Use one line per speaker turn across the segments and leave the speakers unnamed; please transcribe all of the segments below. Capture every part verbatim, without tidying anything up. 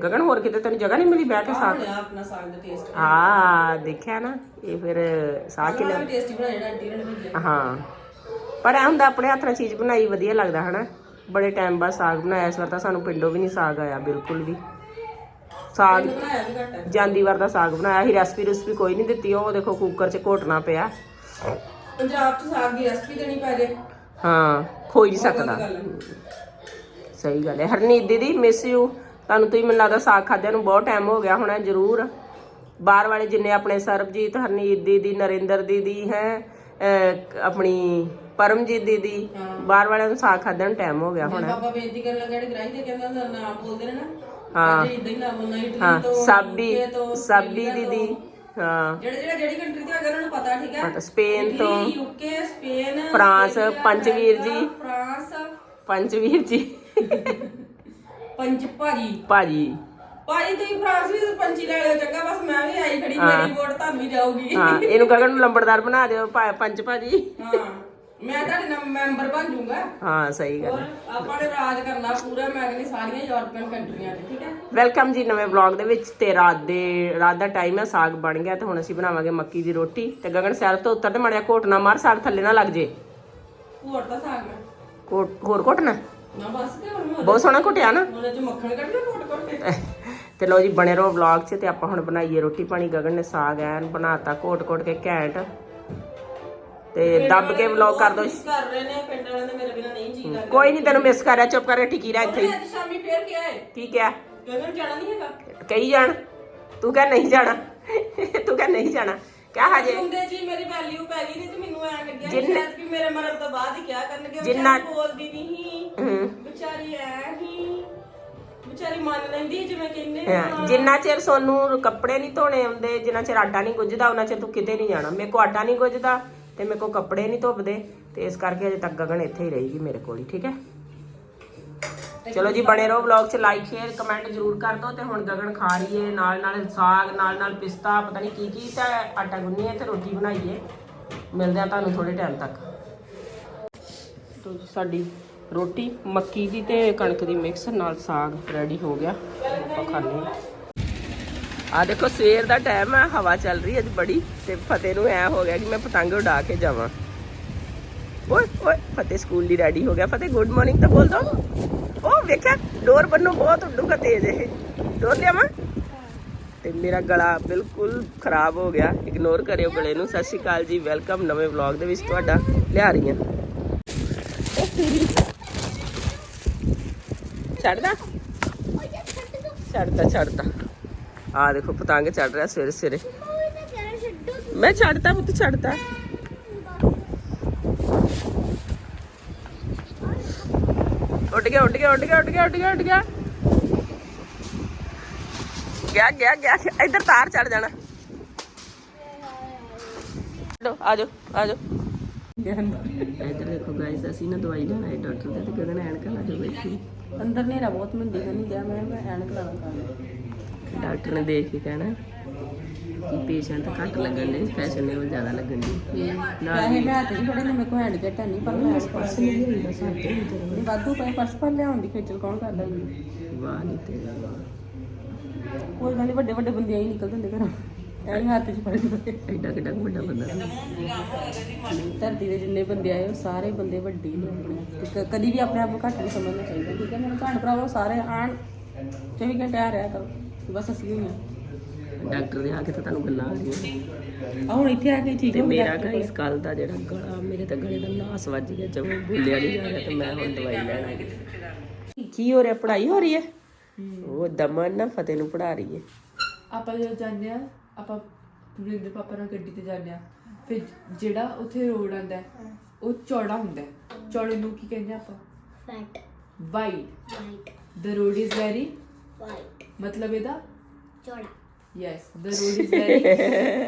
ਗਗਨ ਹੋਰ ਕਿਤੇ ਤੈਨੂੰ ਜਗ੍ਹਾ ਨਹੀਂ ਮਿਲੀ ਬਹਿ ਕੇ ਸਾਗ
ਆਪਣਾ ਸਾਗ ਦਾ ਟੇਸਟ
ਹਾਂ ਦੇਖਿਆ ਨਾ ਇਹ ਫਿਰ ਸਾਗ ਕਿਲੇ
ਟੇਸਟੀ ਬਣਾਇਆ ਆਂਟੀ ਨੇ ਭੇਜਿਆ
ਹਾਂ ਪਰ ਐ ਹੁੰਦਾ ਆਪਣੇ ਹੱਥ ਨਾਲ ਚੀਜ਼ ਬਣਾਈ ਵਧੀਆ ਲੱਗਦਾ ਹਨਾ ਬੜੇ ਟਾਈਮ ਬਾਅਦ ਸਾਗ ਬਣਾਇਆ ਇਸ ਵਾਰ ਤਾਂ ਸਾਨੂੰ ਪਿੰਡੋਂ ਵੀ ਨਹੀਂ ਸਾਗ ਆਇਆ ਬਿਲਕੁਲ ਵੀ ਸਾਗ ਜਾਂਦੀ ਵਾਰ ਦਾ ਸਾਗ ਬਣਾਇਆ ਸੀ ਰੈਸਪੀ ਰੈਸਪੀ ਕੋਈ ਨਹੀਂ ਦਿੱਤੀ ਉਹ ਦੇਖੋ ਕੁੱਕਰ 'ਚ ਘੋਟਣਾ ਪਿਆ
ਪੰਜਾਬ 'ਚ ਸਾਗ ਦੀ ਰੈਸਪੀ ਦੇਣੀ ਪੈ ਜੇ
ਹਾਂ ਖੋਈ ਨਹੀਂ ਸਕਦਾ ਸਹੀ ਗੱਲ ਹੈ ਹਰਨੀਤ ਦੀਦੀ ਮਿਸ ਯੂ ਤੁਹਾਨੂੰ ਤੁਸੀਂ ਮੈਨੂੰ ਲੱਗਦਾ ਸਾਗ ਖਾਦਿਆਂ ਨੂੰ ਬਹੁਤ ਟਾਈਮ ਹੋ ਗਿਆ ਹੋਣਾ ਜ਼ਰੂਰ ਬਾਹਰ ਵਾਲੇ ਜਿੰਨੇ ਆਪਣੇ ਸਰਬਜੀਤ ਹਰਨੀਤ ਦੀਦੀ ਨਰਿੰਦਰ ਦੀਦੀ ਹੈ ਆਪਣੀ ਪਰਮਜੀਤ ਦੀਦੀ ਬਾਹਰ ਵਾਲਿਆਂ ਨੂੰ ਸਾਗ ਖਾਦਿਆਂ ਨੂੰ ਟਾਈਮ ਹੋ ਗਿਆ ਹੋਣਾ
ਬਾਬਾ ਬੇਨਤੀ ਕਰਨ ਲੱਗਾ ਜਿਹੜੇ ਗ੍ਰਾਹੀ ਦੇ ਕਹਿੰਦਾ ਨਾਮ ਬੋਲਦੇ ਨੇ ਨਾ
ਹਾਂ
ਇਦਾਂ ਹੀ ਨਾਮ ਨਾ ਇਟਲੀ
ਹਾਂ
ਤੋਂ
ਸਾਬੀ ਸਾਬੀ ਦੀਦੀ ਹਾਂ
ਜਿਹੜੇ ਜਿਹੜੇ ਜਿਹੜੀ ਕੰਟਰੀ ਤੇ ਅਗਰ ਉਹਨਾਂ ਨੂੰ ਪਤਾ ਠੀਕ ਹੈ
ਸਪੇਨ ਤੋਂ
ਯੂਕੇ ਸਪੇਨ
ਫਰਾਂਸ ਪੰਚਵੀਰ ਜੀ
ਫਰਾਂਸ
ਪੰਚਵੀਰ ਜੀ
ਪੰਚ ਭਾਜੀ
ਭਾਜੀ
ਭਾਜੀ ਤੁਸੀਂ ਫਰਾਂਸ ਵੀ ਪੰਚੀ ਲੈ ਲਿਓ ਚੰਗਾ ਬਸ ਮੈਂ ਵੀ ਆਈ ਖੜੀ ਮੇਰੀ ਵੋਟ ਤੁਹਾਨੂੰ ਹੀ ਜਾਊਗੀ
ਹਾਂ ਇਹਨੂੰ ਗਗਨ ਨੂੰ ਲੰਬੜਦਾਰ ਬਣਾ ਦਿਓ ਪੰਚ ਭਾਜੀ
ਹਾਂ ਮੈਂ ਤੁਹਾਡੇ ਨਾਲ ਮੈਂਬਰ ਬਣ ਜਾਊਂਗਾ
ਹਾਂ ਸਹੀ ਗੱਲ
ਆਪਾਂ ਨੇ ਰਾਜ ਕਰਨਾ ਪੂਰਾ ਮੈਂ ਕਹਿੰਦੀ ਸਾਰੀਆਂ ਯੂਰਪੀਅਨ ਕੰਟਰੀਆਂ 'ਚ ਠੀਕ ਹੈ
ਵੈਲਕਮ ਜੀ ਨਵੇਂ ਵਲੌਗ ਦੇ ਵਿੱਚ ਤੇ ਰਾਤ ਦੇ ਰਾਤ ਦਾ ਟਾਈਮ ਹੈ ਸਾਗ ਬਣ ਗਿਆ ਤੇ ਹੁਣ ਅਸੀਂ ਬਣਾਵਾਂਗੇ ਮੱਕੀ ਦੀ ਰੋਟੀ ਤੇ ਗਗਨ ਸੈਰ ਤੋਂ ਉੱਤਰ ਤੇ ਮੜਿਆ ਘੋਟਣਾ ਮਾਰ ਸਾਗ ਥੱਲੇ ਨਾ ਲੱਗ ਜੇ
ਘੋਟ ਦਾ ਸਾਗ ਮੈਂ
ਕੋਟ ਹੋਰ ਘੋਟਣਾ
ਨਾ ਬਸ ਕਿ ਹੁਣ
ਬਹੁਤ ਸੋਹਣਾ ਘੋਟਿਆ ਨਾ
ਉਹਦੇ 'ਚ ਮੱਖਣ ਕੱਢ ਲਿਆ ਘੋਟ ਘੋਟ ਕੇ
ਤੇ ਲੋ ਜੀ ਬਣੇ ਰਹੋ ਵਲੌਗ 'ਚ ਤੇ ਆਪਾਂ ਹੁਣ ਬਣਾਈਏ ਰੋਟੀ ਪਾਣੀ ਗਗਨ ਨੇ ਸਾਗ ਐਨ ਬਣਾਤਾ ਘੋਟ ਘੋਟ ਕੇ ਘੈਂਟ ਤੇ ਦੱਬ ਕੇ ਵਲੌਗ ਕਰ ਦੋ
ਕਰ ਰਹੇ ਨੇ ਪਿੰਡ ਵਾਲਿਆਂ ਦੇ ਮੇਰੇ ਬਿਨਾ ਨਹੀਂ ਜੀ ਲੱਗਦਾ
ਕੋਈ ਨਹੀਂ ਤੈਨੂੰ ਮਿਸ ਕਰ ਰਿਹਾ ਚੁੱਪ ਕਰਕੇ ਟਿਕੀ ਰਹਿ ਇੱਥੇ
ਅੱਜ ਸ਼ਾਮੀ ਫੇਰ ਕਿਹਾ ਹੈ
ਕੀ ਕਿਹਾ
ਗਗਨ ਜਾਣਾ ਨਹੀਂ ਹੈਗਾ
ਕਹੀ ਜਾਣ ਤੂੰ ਕਹਿ ਨਹੀਂ ਜਾਣਾ ਤੂੰ ਕਹਿ ਨਹੀਂ ਜਾਣਾ ਕਿਆ ਹਜੇ
ਹੁੰਦੇ ਜੀ ਮੇਰੀ ਵੈਲਿਊ ਪੈ ਗਈ ਨਹੀਂ ਤੇ ਮੈਨੂੰ ਐ ਲੱਗਿਆ ਸ਼ਾਇਦ ਕਿ ਮੇਰੇ ਮਰਨ ਤੋਂ ਬਾਅਦ ਹੀ ਕਿਹਾ ਕਰਨਗੇ
ਜਿੰਨਾ
ਬੋਲਦੀ ਨਹੀਂ ਵਿਚਾਰੀ ਐ ਹੀ ਵਿਚਾਰੀ ਮੰਨ ਲੈਂਦੀ ਜਿਵੇਂ ਕਹਿੰਦੇ
ਜਿੰਨਾ ਚਿਰ ਸੋਨੂੰ ਕੱਪੜੇ ਨਹੀਂ ਧੋਣੇ ਆਉਂਦੇ ਜਿੰਨਾ ਚਿਰ ਆਟਾ ਨਹੀਂ ਗੁੱਝਦਾ ਉਹਨਾਂ ਚਿਰ ਤੂੰ ਕਿਤੇ ਨਹੀਂ ਜਾਣਾ ਮੇਰੇ ਕੋ ਆਟਾ ਨਹੀਂ ਗੁੱਝਦਾ ਤੇ ਮੇਰੇ ਕੋ ਕੱਪੜੇ ਨਹੀਂ ਧੁੱਪਦੇ ਤੇ ਇਸ ਕਰਕੇ ਅਜੇ ਤੱਕ ਗਗਨ ਇੱਥੇ ਹੀ ਰਹੇਗੀ ਮੇਰੇ ਕੋਲ ਹੀ ਠੀਕ ਹੈ ਚਲੋ ਜੀ ਬਣੇ ਰਹੋ ਵਲੌਗ 'ਚ ਲਾਈਕ ਸ਼ੇਅਰ ਕਮੈਂਟ ਜ਼ਰੂਰ ਕਰ ਦਿਓ ਤੇ ਹੁਣ ਗਗਨ ਖਾ ਰਹੀ ਹੈ ਨਾਲ ਨਾਲ ਸਾਗ ਨਾਲ ਨਾਲ ਪਿਸਤਾ ਪਤਾ ਨਹੀਂ ਕੀ ਕੀ ਤਾਂ ਆਟਾ ਗੁੰਨੀਏ ਤੇ ਰੋਟੀ ਬਣਾਈਏ ਮਿਲਦੇ ਆ ਤੁਹਾਨੂੰ ਥੋੜੇ ਟਾਈਮ ਤੱਕ ਤੋ ਜੀ ਸਾਡੀ ਰੋਟੀ ਮੱਕੀ ਦੀ ਤੇ ਕਣਕ ਦੀ ਮਿਕਸ ਨਾਲ ਸਾਗ ਰੈਡੀ ਹੋ ਗਿਆ ਆਪਾਂ ਖਾਣੇ ਆ ਦੇਖੋ ਸਵੇਰ ਦਾ ਟਾਈਮ ਹੈ ਹਵਾ ਚੱਲ ਰਹੀ ਹੈ ਅੱਜ ਬੜੀ ਤੇ ਫਤਿਹ ਨੂੰ ਐ ਹੋ ਗਿਆ ਕਿ ਮੈਂ ਪਤੰਗ ਉਡਾ ਕੇ ਜਾਵਾਂ ਓਏ ਓਏ ਫਤਿਹ ਸਕੂਲ ਦੀ ਰੈਡੀ ਹੋ ਗਿਆ ਫਤਿਹ ਗੁੱਡ ਮਾਰਨਿੰਗ ਤਾਂ ਬੋਲ ਦੋ ਉਹ ਵੇਖਿਆ ਡੋਰ ਬੰਨੋ ਬਹੁਤ ਉੱਡੂਗਾ ਤੇਜ਼ ਇਹ ਡੋਰ ਲਿਆਵਾਂ ਤੇ ਮੇਰਾ ਗਲਾ ਬਿਲਕੁਲ ਖਰਾਬ ਹੋ ਗਿਆ ਇਗਨੋਰ ਕਰਿਓ ਗਲੇ ਨੂੰ ਸਤਿ ਸ਼੍ਰੀ ਅਕਾਲ ਜੀ ਵੈਲਕਮ ਨਵੇਂ ਵਲੌਗ ਦੇ ਵਿੱਚ ਤੁਹਾਡਾ ਲਿਆ ਰਹੀ ਹਾਂ ਛੱਡਦਾ ਛੱਡਦਾ ਛੱਡਦਾ ਆ ਦੇਖੋ ਪਤੰਗ ਚੜ ਰਿਹਾ ਸਵੇਰੇ ਸਵੇਰੇ ਮੈਂ ਛੱਡਦਾ ਪੁੱਤ ਛੱਡਦਾ ਉੱਡ ਗਿਆ ਉੱਡ ਗਿਆ ਉੱਡ ਗਿਆ ਉੱਡ ਗਿਆ ਉੱਡ ਗਿਆ ਉੱਡ ਗਿਆ ਗਿਆ ਗਿਆ ਗਿਆ ਇੱਧਰ ਤਾਰ ਚੜ ਜਾਣਾ ਆ ਜਾਓ ਆ ਜਾਓ ਇੱਧਰ ਦੇਖੋ ਗਾਇਸ ਅਸੀਂ ਨਾ ਦਵਾਈ ਲੈਣ ਆਏ ਡਾਕਟਰ ਦੇ ਤੇ ਗਗਨ ਐਨਕਾਂ ਲਾ ਕੇ ਬੈਠੀ
ਅੰਦਰ ਨੇਰਾ ਬਹੁਤ ਮਿਲਦੀ ਨਹੀਂ ਗਿਆ ਮੈਂ ਐਨਕ ਲਾਵਾਂ
ਡਾਕਟਰ ਨੇ ਦੇਖ ਕੇ ਕਹਿਣਾ ਕਿ ਪੇਸ਼ੈਂਟ ਘੱਟ ਲੱਗਣ ਦੇ ਫੈਸ਼ਨੇਬਲ ਜ਼ਿਆਦਾ ਲੱਗਣ ਦੀ
ਪੈਸੇ ਮੈਂ ਤੇ ਥੋੜੇ ਨੇ ਮੇਰੇ ਕੋਲ ਹੈਂਡ ਜੈਟ ਨਹੀਂ ਪਰ ਮੈਂ ਪਰਸ ਨਹੀਂ ਹੁੰਦਾ ਸਾਡੇ ਨਹੀਂ ਵਾਧੂ ਪਏ ਪਰਸ ਪਰ ਲਿਆਉਣ ਦੀ ਖੇਚਲ ਕੌਣ ਕਰਦਾ
ਵਾਹ ਨਹੀਂ ਤੇਰਾ
ਕੋਈ ਗੱਲ ਨਹੀਂ ਵੱਡੇ ਵੱਡੇ ਬੰਦੇ ਹੀ ਨਿਕਲਦੇ ਹੁੰਦੇ ਘਰੋਂ ਐਵੇਂ ਹੱਥ 'ਚ ਫੜ ਕੇ
ਐਡਾ ਕਿੱਡਾ ਵੱਡਾ ਬੰਦਾ
ਧਰਤੀ ਦੇ ਜਿੰਨੇ ਬੰਦੇ ਆਏ ਉਹ ਸਾਰੇ ਬੰਦੇ ਵੱਡੇ ਨੇ ਆਪਣੇ ਤੇ ਕਦੀ ਵੀ ਆਪਣੇ ਆਪ ਨੂੰ ਘੱਟ ਨਹੀਂ ਸਮਝਣਾ ਚਾਹੀਦਾ ਠੀਕ ਹੈ ਮੇਰੇ ਭੈਣ ਭਰਾਵੋ ਸਾਰੇ ਆਣ ਚੌਵੀ ਘੰਟੇ ਆ ਰਿਹਾ ਕਰੋ ਬਸ ਅਸੀਂ ਹੋਈ ਹਾਂ
ਡਾਕਟਰ ਦੇ ਆ ਕੇ ਤਾਂ ਤੁਹਾਨੂੰ ਗੱਲਾਂ ਆ ਰਹੀਆਂ
ਆ ਹੁਣ ਇੱਥੇ ਆ ਕੇ ਠੀਕ
ਤੇ ਮੇਰਾ ਗਾਇਸ ਕੱਲ ਦਾ ਜਿਹੜਾ ਗਲਾ ਮੇਰੇ ਤਾਂ ਗਲੇ ਦਾ ਨਾਸ ਵੱਜ ਗਿਆ ਜਮੇ ਬੋਲਿਆ ਨਹੀਂ ਜਾ ਰਿਹਾ ਤੇ ਮੈਂ ਹੁਣ ਦਵਾਈ ਲੈਣ ਆਈ ਕੀ ਹੋ ਰਿਹਾ ਪੜ੍ਹਾਈ ਹੋ ਰਹੀ ਹੈ ਉਹ ਦਮਨ ਨਾ ਫਤਿਹ ਨੂੰ ਪੜ੍ਹਾ ਰਹੀ ਹੈ
ਆਪਾਂ ਜਦੋਂ ਜਾਂਦੇ ਆ ਆਪਾਂ ਵਰਿੰਦਰ ਪਾਪਾ ਨਾਲ ਗੱਡੀ ਤੇ ਜਾਂਦੇ ਆ ਫਿਰ ਜਿਹੜਾ ਉੱਥੇ ਰੋਡ ਆਉਂਦਾ ਉਹ ਚੌੜਾ ਹੁੰਦਾ ਚੌੜੇ ਨੂੰ ਕੀ ਕਹਿੰਦੇ ਆਪਾਂ
Fat.
Wide
White.
the road is very
White.
ਮਤਲਬ ਇਹਦਾ
ਚੌੜਾ
yes the road is very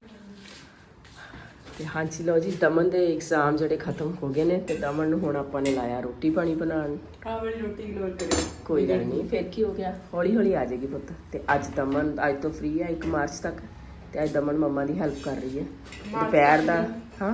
ਤੇ ਹਾਂਜੀ ਲਓ ਜੀ ਦਮਨ ਦੇ ਐਗਜ਼ਾਮ ਜਿਹੜੇ ਖਤਮ ਹੋ ਗਏ ਨੇ ਤੇ ਦਮਨ ਨੂੰ ਹੁਣ ਆਪਾਂ ਨੇ ਲਾਇਆ ਰੋਟੀ ਪਾਣੀ ਬਣਾਉਣ
ਆ ਵਾਲੀ ਰੋਟੀ ਇਗਨੋਰ ਕਰਿਓ
ਕੋਈ ਗੱਲ ਨਹੀਂ ਫਿਰ ਕੀ ਹੋ ਗਿਆ ਹੌਲੀ ਹੌਲੀ ਆ ਜਾਏਗੀ ਪੁੱਤ ਤੇ ਅੱਜ ਦਮਨ ਅੱਜ ਤੋਂ ਫ੍ਰੀ ਹੈ ਇੱਕ ਮਾਰਚ ਤੱਕ ਤੇ ਅੱਜ ਦਮਨ ਮੰਮਾ ਦੀ ਹੈਲਪ ਕਰ ਰਹੀ ਹੈ ਦੁਪਹਿਰ ਦਾ ਹਾਂ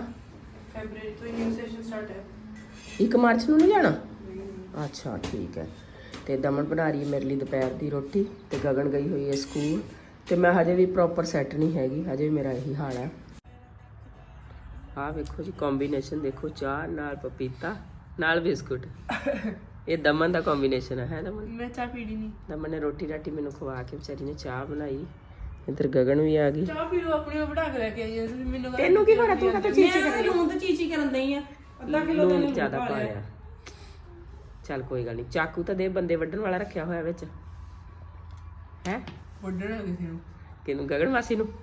ਫੈਬਰਵਰੀ ਤੋਂ ਨਿਊ ਸੈਸ਼ਨ ਸਟਾਰਟ ਹੈ
ਇੱਕ ਮਾਰਚ ਨੂੰ ਨਹੀਂ ਜਾਣਾ ਅੱਛਾ ਠੀਕ ਹੈ ਤੇ ਦਮਨ ਬਣਾ ਰਹੀ ਹੈ ਮੇਰੇ ਲਈ ਦੁਪਹਿਰ ਦੀ ਰੋਟੀ ਤੇ ਗਗਨ ਗਈ ਹੋਈ ਹੈ ਸਕੂਲ ਤੇ ਮੈਂ ਹਜੇ ਵੀ ਪ੍ਰੋਪਰ ਸੈੱਟ ਨਹੀਂ ਹੈਗੀ, ਹਜੇ ਵੀ ਮੇਰਾ ਇਹੀ ਹਾਲ ਹੈ। ਆਹ ਵੇਖੋ ਜੀ ਕੰਬੀਨੇਸ਼ਨ ਦੇਖੋ, ਚਾਹ ਨਾਲ ਪਪੀਤਾ ਨਾਲ ਬਿਸਕੁਟ। ਇਹ ਦਮਨ ਦਾ ਕੰਬੀਨੇਸ਼ਨ ਹੈ, ਹੈ ਦਮਨ?
ਮੈਂ ਚਾਹ ਪੀਣੀ ਨਹੀਂ।
ਦਮਨ ਨੇ ਰੋਟੀ ਰਾਟੀ ਮੈਨੂੰ ਖਵਾ ਕੇ ਵਿਚਾਰੀ ਨੇ ਚਾਹ ਬਣਾਈ। ਇੱਧਰ ਗਗਨ ਵੀ ਆ ਗਈ।
ਚਾਹ ਪੀ ਲਓ ਆਪਣੀ, ਉਹ ਬਣਾ ਕੇ ਲੈ ਕੇ ਆਈ ਹੈ ਤੁਸੀਂ ਮੈਨੂੰ।
ਤੈਨੂੰ ਕੀ ਹੋਇਆ, ਤੂੰ ਕਾ ਚੀਚੀ ਕਰ ਰਹੀ?
ਹੁਣ ਤਾਂ ਚੀਚੀ ਕਰਨ ਦਈ ਆ, ਅੱਧਾ ਕਿਲੋ
ਲੂਣ ਜ਼ਿਆਦਾ ਪਾ ਲਿਆ। ਚੱਲ ਕੋਈ ਗੱਲ ਨਹੀਂ, ਚਾਕੂ ਤਾਂ ਦੇ ਬੰਦੇ ਵੱਢਣ ਵਾਲਾ ਰੱਖਿਆ ਹੋਇਆ ਵਿੱਚ ਹੈ।
ਵੱਢਣਾ ਕਿਸੇ ਨੂੰ?
ਕਿਹਨੂੰ? ਗਗਨ ਮਾਸੀ ਨੂੰ।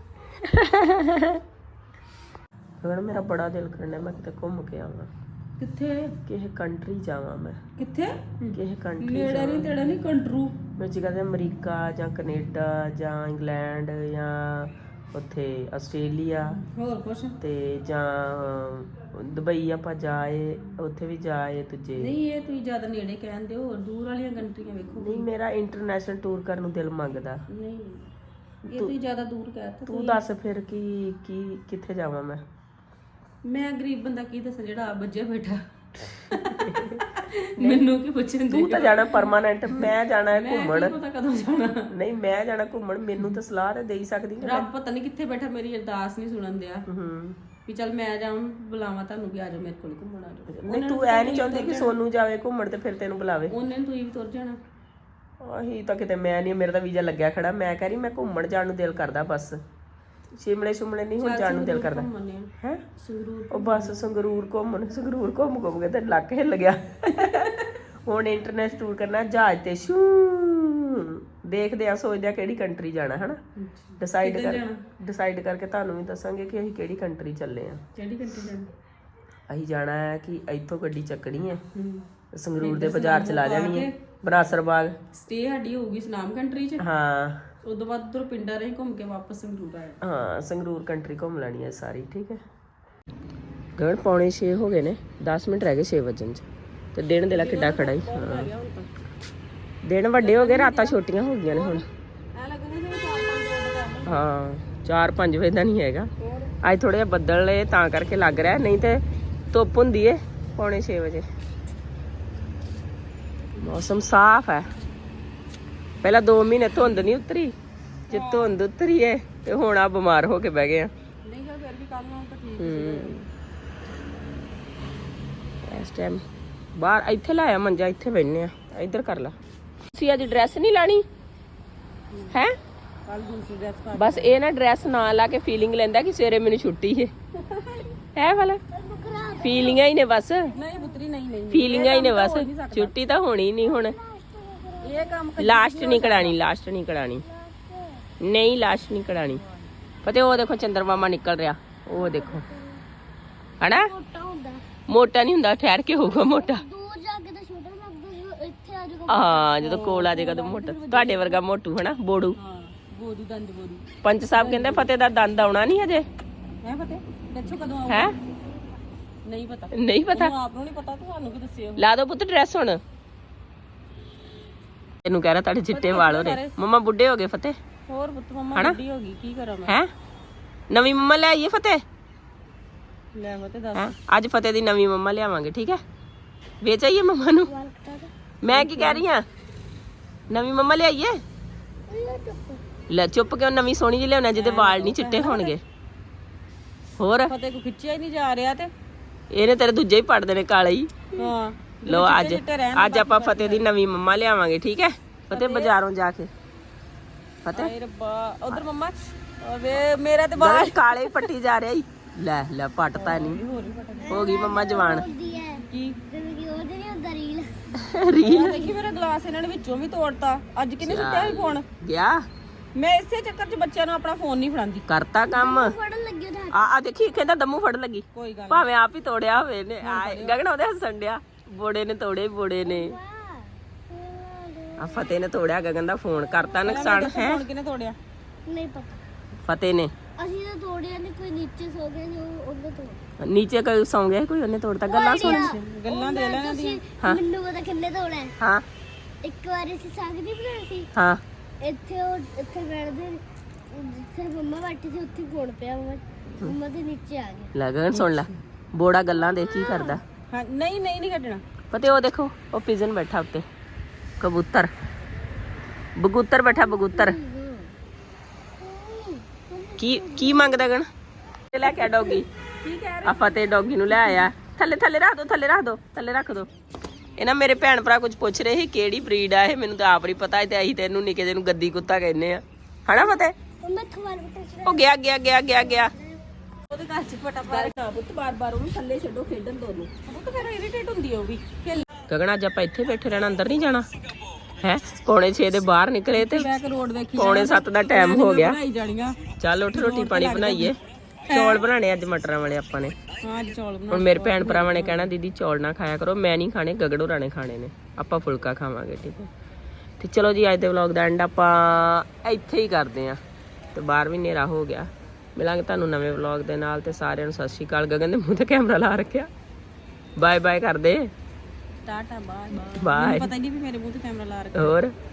ਗਗਨ ਮੇਰਾ ਬੜਾ ਦਿਲ ਕਰਨਾ ਮੈਂ ਕਿਤੇ ਘੁੰਮ ਕੇ ਆਵਾਂ।
ਕਿੱਥੇ?
ਕਿਸੇ ਕੰਟਰੀ ਜਾਵਾਂ ਮੈਂ,
ਕਿੱਥੇ?
ਕਿਸੇ ਕੰਟਰੀ
ਨੇੜੇ ਨਹੀਂ ਤੇੜਾ ਨਹੀਂ, ਕੰਟਰੂ
ਮੈਂ ਜੀ ਕਹਿੰਦੇ ਅਮਰੀਕਾ ਜਾਂ ਕੈਨੇਡਾ ਜਾਂ ਇੰਗਲੈਂਡ ਜਾਂ ਉੱਥੇ ਆਸਟ੍ਰੇਲੀਆ
ਹੋਰ ਕੁਛ
ਤੇ ਜਾਂ ਦੁਬਈ ਆਪਾਂ ਜਾਏ, ਉੱਥੇ ਵੀ ਜਾਏ ਤੁਝੇ।
ਨਹੀਂ, ਇਹ ਤੁਸੀਂ ਜ਼ਿਆਦਾ ਨੇੜੇ ਕਹਿੰਦੇ ਹੋ, ਦੂਰ ਵਾਲੀਆਂ ਕੰਟਰੀਆਂ ਵੇਖੋ।
ਨਹੀਂ, ਮੇਰਾ ਇੰਟਰਨੈਸ਼ਨਲ ਟੂਰ ਕਰਨ ਨੂੰ ਦਿਲ ਮੰਗਦਾ।
ਨਹੀਂ, ਇਹ ਤੁਸੀਂ ਜ਼ਿਆਦਾ ਦੂਰ ਕਹਿਤਾ।
ਤੂੰ ਦੱਸ ਫਿਰ ਕੀ ਕੀ ਕਿੱਥੇ ਜਾਵਾਂ ਮੈਂ?
ਮੈਂ ਗਰੀਬ ਬੰਦਾ ਕੀ ਦੱਸਾਂ ਜਿਹੜਾ ਆ ਬੱਜਿਆ ਬੈਠਾ। ਮੈਨੂੰ ਕੀ ਪੁੱਛਣ ਦੀ?
ਤੂੰ ਤਾਂ ਜਾਣਾ ਪਰਮਾਨੈਂਟ, ਮੈਂ ਜਾਣਾ ਹੈ ਘੁੰਮਣ।
ਪਤਾ ਕਦੋਂ ਜਾਣਾ?
ਨਹੀਂ, ਮੈਂ ਜਾਣਾ ਘੁੰਮਣ, ਮੈਨੂੰ ਤਾਂ ਸਲਾਹ ਤੇ ਦੇ ਹੀ ਸਕਦੀ ਹੈ।
ਰੱਬ ਪਤਾ ਨਹੀਂ ਕਿੱਥੇ ਬੈਠਾ, ਮੇਰੀ ਅਰਦਾਸ ਨਹੀਂ ਸੁਣਨ ਦਿਆ
ਹੂੰ,
ਵੀ ਚੱਲ ਮੈਂ ਜਾਵਾਂ, ਬੁਲਾਵਾਂ ਤੁਹਾਨੂੰ ਵੀ ਆ ਜਾਓ ਮੇਰੇ ਕੋਲ ਘੁੰਮਣ, ਆ ਜਾਓ।
ਨਹੀਂ ਤੂੰ ਐ ਨਹੀਂ ਚਾਹੁੰਦੀ ਕਿ ਸੋਨੂ ਜਾਵੇ ਘੁੰਮਣ ਤੇ ਫਿਰ ਤੈਨੂੰ ਬੁਲਾਵੇ?
ਉਹਨੇ ਨੂੰ ਤੁਸੀਂ ਵੀ ਤੁਰ ਜਾਣਾ।
ਆਹੀ ਤਾਂ ਕਿਤੇ ਮੈਂ ਨਹੀਂ, ਮੇਰਾ ਤਾਂ ਵੀਜ਼ਾ ਲੱਗਿਆ ਖੜਾ। ਮੈਂ ਕਹਿ ਰਹੀ ਮੈਂ ਘੁੰਮਣ ਜਾਣ ਨੂੰ ਦਿਲ ਕਰਦਾ, ਬਸ ਸ਼ਿਮਲੇ ਸ਼ਿਮਲੇ ਨਹੀਂ ਹੁਣ ਜਾਣ ਨੂੰ ਦਿਲ ਕਰਦਾ ਹੈ।
ਸੰਗਰੂਰ
ਉਹ ਬਸ ਸੰਗਰੂਰ ਘੁੰਮਣ, ਸੰਗਰੂਰ ਘੁੰਮ ਘੁੰਮ ਕੇ ਤੇ ਲੱਕ ਹਿੱਲ ਗਿਆ। ਹੁਣ ਇੰਟਰਨੈਸ਼ਨਲ ਟੂਰ ਕਰਨਾ ਜਹਾਜ਼ ਤੇ ਸ਼ੂ। ਦੇਖਦੇ ਆ, ਸੋਚਦੇ ਆ ਕਿਹੜੀ ਕੰਟਰੀ ਜਾਣਾ, ਹਨਾ। ਡਿਸਾਈਡ ਕਰ ਡਿਸਾਈਡ ਕਰਕੇ ਤੁਹਾਨੂੰ ਵੀ ਦੱਸਾਂਗੇ ਕਿ ਅਸੀਂ ਕਿਹੜੀ ਕੰਟਰੀ ਚੱਲੇ ਆ।
ਕਿਹੜੀ ਕੰਟਰੀ ਜਾਣਾ? ਅਸੀਂ
ਜਾਣਾ ਹੈ ਕਿ ਇੱਥੋਂ ਗੱਡੀ ਚੱਕਣੀ ਹੈ, ਸੰਗਰੂਰ ਦੇ ਬਾਜ਼ਾਰ ਚਲਾ ਜਾਣੀ ਹੈ, ਬਨਾਸਰ ਬਾਗ
ਸਟੇ ਸਾਡੀ ਹੋਊਗੀ ਸੁਨਾਮ ਕੰਟਰੀ ਚ।
ਹਾਂ,
ਉਦੋਂ ਬਾਅਦ ਉਧਰ ਪਿੰਡਾਂ ਰਹੀ ਘੁੰਮ ਕੇ ਵਾਪਸ ਸੰਗਰੂਰ ਆਏ।
ਹਾਂ, ਸੰਗਰੂਰ ਕੰਟਰੀ ਘੁੰਮ ਲੈਣੀ ਹੈ ਸਾਰੀ। ਠੀਕ ਹੈ। ਗਗਨ ਪੌਣੇ ਛੇ ਹੋ ਗਏ ਨੇ, ਦਸ ਮਿੰਟ ਰਹਿ ਗਏ ਛੇ ਵਜਣ 'ਚ ਤੇ ਦਿਨ ਦੇ ਲਾ ਕਿੱਡਾ ਖੜਾ ਹੀ। ਹਾਂ, ਦਿਨ ਵੱਡੇ ਹੋ ਗਏ, ਰਾਤਾਂ ਛੋਟੀਆਂ ਹੋ ਗਈਆਂ ਨੇ ਹੁਣ। ਹਾਂ, ਚਾਰ ਪੰਜ ਵਜੇ ਦਾ ਨਹੀਂ ਹੈਗਾ ਅੱਜ, ਥੋੜਾ ਜਿਹਾ ਬੱਦਲ ਏ ਤਾਂ ਕਰਕੇ ਲੱਗ ਰਿਹਾ, ਨਹੀਂ ਤੇ ਧੁੱਪ ਹੁੰਦੀ ਏ ਪੌਣੇ ਛੇ ਵਜੇ। ਮੌਸਮ ਸਾਫ਼ ਹੈ। ਪਹਿਲਾਂ ਦੋ ਮਹੀਨੇ ਧੁੰਦ ਨਹੀਂ ਉਤਰੀ, ਜੇ ਧੁੰਦ ਉਤਰੀ ਏ ਤੇ ਹੁਣ ਆ ਬਿਮਾਰ ਹੋ ਕੇ ਬਹਿ ਗਏ ਆ।
ਨਹੀਂ ਤਾਂ ਫਿਰ ਵੀ ਕੱਲ ਨੂੰ ਤਾਂ ਠੀਕ
ਹੂੰ, ਇਸ ਟਾਈਮ ਬਾਹਰ ਇੱਥੇ ਲਾਇਆ ਮੰਜਾ, ਇੱਥੇ ਬੈਠਨੇ ਆ। ਇੱਧਰ ਕਰ ਲਾ। ਤੁਸੀਂ ਅੱਜ ਡਰੈਸ ਨਹੀਂ ਲਾਣੀ ਹੈ?
ਕੱਲ ਦੂਸਰੀ ਡਰੈਸ ਪਾ।
ਬਸ ਇਹ ਨਾ ਡਰੈਸ ਨਾ ਲਾ ਕੇ ਫੀਲਿੰਗ ਲੈਂਦਾ ਕਿ ਸਵੇਰੇ ਮੈਨੂੰ ਛੁੱਟੀ ਹੈ। ਹੈ ਵਾਲਾ ਫੀਲਿੰਗਾਂ ਹੀ ਨੇ ਬਸ।
ਨਹੀਂ ਪੁੱਤਰੀ, ਨਹੀਂ ਨਹੀਂ,
ਫੀਲਿੰਗਾਂ ਹੀ ਨੇ ਬਸ, ਛੁੱਟੀ ਤਾਂ ਹੋਣੀ ਨਹੀਂ ਹੁਣ।
ਇਹ ਕੰਮ
ਲਾਸਟ ਨਹੀਂ ਕਢਾਣੀ, ਲਾਸਟ ਨਹੀਂ ਕਢਾਣੀ, ਨਹੀਂ ਲਾਸਟ ਨਹੀਂ ਕਢਾਣੀ। ਪਤਾ ਉਹ ਦੇਖੋ ਚੰਦਰਮਾਮਾ ਨਿਕਲ ਰਿਹਾ, ਉਹ ਦੇਖੋ ਹਨਾ।
ਮੋਟਾ ਹੁੰਦਾ,
ਮੋਟਾ ਨਹੀਂ ਹੁੰਦਾ, ਠਹਿਰ ਕੇ ਹੋਊਗਾ ਮੋਟਾ।
ਦੂਰ ਜਾ ਕੇ ਤਾਂ ਛੋਟਾ ਲੱਗਦਾ, ਇੱਥੇ ਆ ਜਾਊਗਾ।
ਹਾਂ, ਜਦੋਂ ਕੋਲ ਆ ਜਾਏਗਾ ਤਾਂ ਮੋਟਾ। ਤੁਹਾਡੇ ਵਰਗਾ ਮੋਟੂ ਹਨਾ, ਬੋੜੂ।
ਹਾਂ, ਬੋਦੂ ਦੰਦ ਬੋਦੂ।
ਪੰਚ ਸਾਹਿਬ ਕਹਿੰਦੇ ਫਤਿਹ ਦਾ ਦੰਦ ਆਉਣਾ ਨਹੀਂ ਹਜੇ।
ਹੈ ਪਤਾ ਦੱਸੋ ਕਦੋਂ ਆਊਗਾ?
ਹੈ
ਨਹੀਂ ਪਤਾ,
ਨਹੀਂ ਪਤਾ।
ਆਪ ਨੂੰ ਨਹੀਂ ਪਤਾ, ਤੁਹਾਨੂੰ ਕੀ ਦੱਸਿਓ?
ਲਾ ਦੋ ਪੁੱਤ ਡਰੈਸ ਹੁਣ। ਤੈਨੂੰ ਕਹਿ ਰਿਹਾ ਤੁਹਾਡੇ ਚਿੱਟੇ ਵਾਲ ਹੋ ਰਹੇ। ਮੰਮਾ ਬੁੱਢੇ ਹੋ ਗਏ ਫਤਿਹ।
ਹੋਰ ਪੁੱਤ ਮੰਮਾ ਵੱਡੀ ਹੋ ਗਈ, ਕੀ ਕਰਾਂ ਮੈਂ?
ਹੈ ਨਵੀਂ ਮੰਮਾ ਲੈ ਆਈਏ ਫਤਿਹ?
ਲੈ ਮੈਂ ਤੇ ਦੱਸ।
ਹੈਂ? ਅੱਜ ਫਤਿਹ ਦੀ ਨਵੀਂ ਮੰਮਾ ਲਿਆਵਾਂਗੇ, ਠੀਕ ਹੈ? ਵੇਚ ਆਈਏ ਮੰਮਾ ਨੂੰ। ਮੈਂ ਕੀ ਕਹਿ ਰਹੀ ਹਾਂ, ਨਵੀਂ ਮੰਮਾ ਲਿਆਈਏ। ਲੈ ਚੁੱਪ ਕਿਉਂ, ਨਵੀਂ ਸੋਹਣੀ ਜਿਹੀ ਲਿਆਉਣਾ ਜਿਹਦੇ ਵਾਲ ਨਹੀਂ ਚਿੱਟੇ ਹੋਣਗੇ। ਹੋਰ
ਫਤਿਹ ਕੋ ਖਿੱਚਿਆ ਹੀ ਨਹੀਂ ਜਾ ਰਿਹਾ ਤੇ
ਇਹਨੇ ਤੇਰੇ ਦੂਜੇ ਹੀ ਪੜ ਦੇਣੇ ਕਾਲੇ ਹੀ।
ਹਾਂ,
ਲੋ ਅੱਜ ਅੱਜ ਆਪਾਂ ਫਤਿਹ ਦੀ ਨਵੀਂ ਮੰਮਾ ਲਿਆਵਾਂਗੇ, ਠੀਕ ਹੈ? ਫਤਿਹ ਬਾਜ਼ਾਰੋਂ ਜਾ ਕੇ। ਫਤਿਹ
ਹਾਏ ਰੱਬਾ, ਉਧਰ ਮੰਮਾ ਵੇ ਮੇਰਾ ਤੇ ਵਾਲ
ਕਾਲੇ ਪੱਟੀ ਜਾ ਰਿਹਾ ਈ। ਲੈ ਲੈ ਪੱਟਤਾ ਨਹੀਂ, ਹੋ ਗਈ ਮੰਮਾ ਜਵਾਨ।
ਹੁੰਦੀ ਹੈ
ਕੀ
ਜਿਵੇਂ ਕਿ ਉਹਦੇ ਨਹੀਂ ਹੁੰਦਾ ਰੀਲ।
ਰੀਲ
ਦੇਖੀ ਮੇਰਾ ਗਲਾਸ ਇਹਨਾਂ ਨੇ ਵਿੱਚੋਂ ਵੀ ਤੋੜਤਾ। ਅੱਜ ਕਿੰਨੇ ਸੁੱਟਿਆ ਸੀ ਫੋਨ?
ਗਿਆ
ਮੈਂ ਇਸੇ ਚੱਕਰ 'ਚ ਬੱਚਿਆਂ ਨੂੰ ਆਪਣਾ ਫੋਨ ਨਹੀਂ ਫੜਾਉਂਦੀ।
ਕਰਤਾ ਕੰਮ।
ਫੜਨ ਲੱਗੇ ਉਹਦਾ
ਆ ਆ ਦੇਖੀ ਕਹਿੰਦਾ ਦਮੂ ਫੜ ਲੱਗੀ।
ਕੋਈ ਗੱਲ
ਭਾਵੇਂ ਆਪ ਹੀ ਤੋੜਿਆ ਹੋਵੇ ਨੇ। ਗਗਨ ਉਹਦੇ ਹੱਸਣ ਡਿਆ, ਬੋੜੇ ਨੇ ਤੋੜੇ, ਬੋੜੇ ਨੇ। ਆ ਫਤਿਹ ਨੇ ਤੋੜਿਆ ਗਗਨ ਦਾ ਫੋਨ, ਕਰਤਾ ਨੁਕਸਾਨ। ਹੈ
ਫੋਨ ਕਿਹਨੇ ਤੋੜਿਆ?
ਨਹੀਂ ਪਤਾ,
ਫਤਿਹ ਨੇ।
ਅਸੀਂ ਤਾਂ ਤੋੜਿਆ ਨਹੀਂ, ਕੋਈ ਨੀਚੇ ਸੋ ਗਿਆ ਜੋ ਉਹਨੇ ਤੋੜਿਆ।
ਨੀਚੇ ਕੋਈ ਸੌਂ ਗਿਆ, ਕੋਈ ਉਹਨੇ ਤੋੜਤਾ। ਗੱਲਾਂ ਸੁਣ।
ਗੱਲਾਂ ਦੇ ਲੈਣਾ ਦੀਆਂ।
ਮੈਨੂੰ ਪਤਾ ਕਿੰਨੇ ਤੋੜਿਆ।
ਹਾਂ
ਇੱਕ ਵਾਰੀ ਅਸੀਂ ਸਾਗ ਨਹੀਂ ਬਣਾਈ ਸੀ,
ਹਾਂ
ਇੱਥੇ ਉਹ ਇੱਥੇ ਬੈਠਦੇ ਜਿੱਥੇ ਮੰਮਾ ਬੈਠੀ ਸੀ ਉੱਥੇ ਫੋਨ ਪਿਆ, ਮੰਮਾ ਮੰਮਾ ਦੇ ਨੀਚੇ ਆ ਗਿਆ।
ਲੈ ਗਗਨ ਸੁਣ ਲੈ, ਬੋੜਾ ਗੱਲਾਂ ਦੇ ਕੀ ਕਰਦਾ।
ਹਾਂ, ਨਹੀਂ ਨਹੀਂ ਨਹੀਂ ਕੱਢਣਾ।
ਫਤਿਹ ਉਹ ਦੇਖੋ, ਉਹ ਪਿਜਨ ਬੈਠਾ ਉੱਤੇ, ਕਬੂਤਰ ਬਗੂਤਰ ਬੈਠਾ ਬਗੂਤਰ ਕੀ ਕੀ ਮੰਗਦਾ ਗਣ ਲੈ ਕੇ ਡੌਗੀ
ਕੀ ਕਹਿ
ਆਪਾਂ ਤੇ ਡੌਗੀ ਨੂੰ ਲੈ ਆਇਆ ਥੱਲੇ ਥੱਲੇ ਰੱਖ ਦੋ ਥੱਲੇ ਰੱਖ ਦੋ ਥੱਲੇ ਰੱਖ ਦੋ ਇਹ ਨਾ ਮੇਰੇ ਭੈਣ ਭਰਾ ਕੁਝ ਪੁੱਛ ਰਹੇ ਸੀ ਕਿਹੜੀ ਬਰੀਡ ਆ ਇਹ ਮੈਨੂੰ ਤਾਂ ਆਪ ਨਹੀਂ ਪਤਾ ਤੇ ਅਸੀਂ ਤੈਨੂੰ ਨਿੱਕੇ ਜਿਹੇ ਨੂੰ ਗੱਦੀ ਕੁੱਤਾ ਕਹਿੰਦੇ ਆ ਹਨਾ ਫਤਿਹ
ਮੰਮਾ ਖਵਾਲ ਬਟਾ
ਉਹ ਗਿਆ ਗਿਆ ਗਿਆ ਗਿਆ ਗਿਆ
ਉਹਦੇ ਘਰ ਚ ਫਟਾਫਟ
ਨਾ ਪੁੱਤ ਬਾਰ ਬਾਰ ਉਹਨੂੰ ਥੱਲੇ ਛੱਡੋ ਖੇਡਣ ਦੋ ਨੂੰ
ਉਹ ਤਾਂ ਫਿਰ ਇਰੀਟੇਟ ਹੁੰਦੀ ਆ ਉਹ ਵੀ ਖੇਲ
ਗਗਨ ਅੱਜ ਆਪਾਂ ਇੱਥੇ ਬੈਠੇ ਰਹਿਣਾ ਅੰਦਰ ਨਹੀਂ ਜਾਣਾ ਹੈ ਪੌਣੇ ਛੇ ਦੇ ਬਾਹਰ ਨਿਕਲੇ ਤੇ
ਬੈਕ ਰੋਡ ਵੇਖੀ
ਪੌਣੇ ਸੱਤ ਦਾ ਟਾਈਮ ਹੋ ਗਿਆ
ਬਣਾਈ ਜਾਣੀਆਂ
ਚੱਲ ਉੱਠ ਰੋਟੀ ਪਾਣੀ ਬਣਾਈਏ ਚੌਲ ਬਣਾਣੇ ਅੱਜ ਮਟਰਾਂ ਵਾਲੇ ਆਪਾਂ ਨੇ
ਹਾਂ ਅੱਜ ਚੌਲ ਬਣਾ
ਹੁਣ ਮੇਰੇ ਭੈਣ ਭਰਾਵਾਂ ਨੇ ਕਹਿਣਾ ਦੀਦੀ ਚੌਲ ਨਾ ਖਾਇਆ ਕਰੋ ਮੈਂ ਨਹੀਂ ਖਾਣੇ ਗਗੜੋ ਰਾਣੇ ਖਾਣੇ ਨੇ ਆਪਾਂ ਫੁਲਕਾ ਖਾਵਾਂਗੇ ਠੀਕ ਹੈ ਤੇ ਚਲੋ ਜੀ ਅੱਜ ਦੇ ਵਲੌਗ ਦਾ ਐਂਡ ਆਪਾਂ ਇੱਥੇ ਹੀ ਕਰਦੇ ਆਂ ਤੇ ਬਾਹਰ ਵੀ ਹਨੇਰਾ ਹੋ ਗਿਆ ਮਿਲਾਂਗੇ ਤੁਹਾਨੂੰ ਨਵੇਂ ਵਲੌਗ ਦੇ ਨਾਲ ਤੇ ਸਾਰਿਆਂ ਨੂੰ ਸਤਿ ਸ਼੍ਰੀ ਅਕਾਲ ਗਗਨ ਦੇ ਮੂੰਹ ਤੇ ਕੈਮਰਾ ਲਾ ਰੱਖਿਆ ਬਾਏ ਬਾਏ ਕਰਦੇ
ਟਾਟਾ ਬਾਏ
ਬਾਏ
ਪਤਾ ਹੀ ਨਹੀਂ ਵੀ ਮੇਰੇ ਮੂੰਹ ਤੇ ਕੈਮਰਾ ਲਾ ਰੱਖਿਆ
ਹੋਰ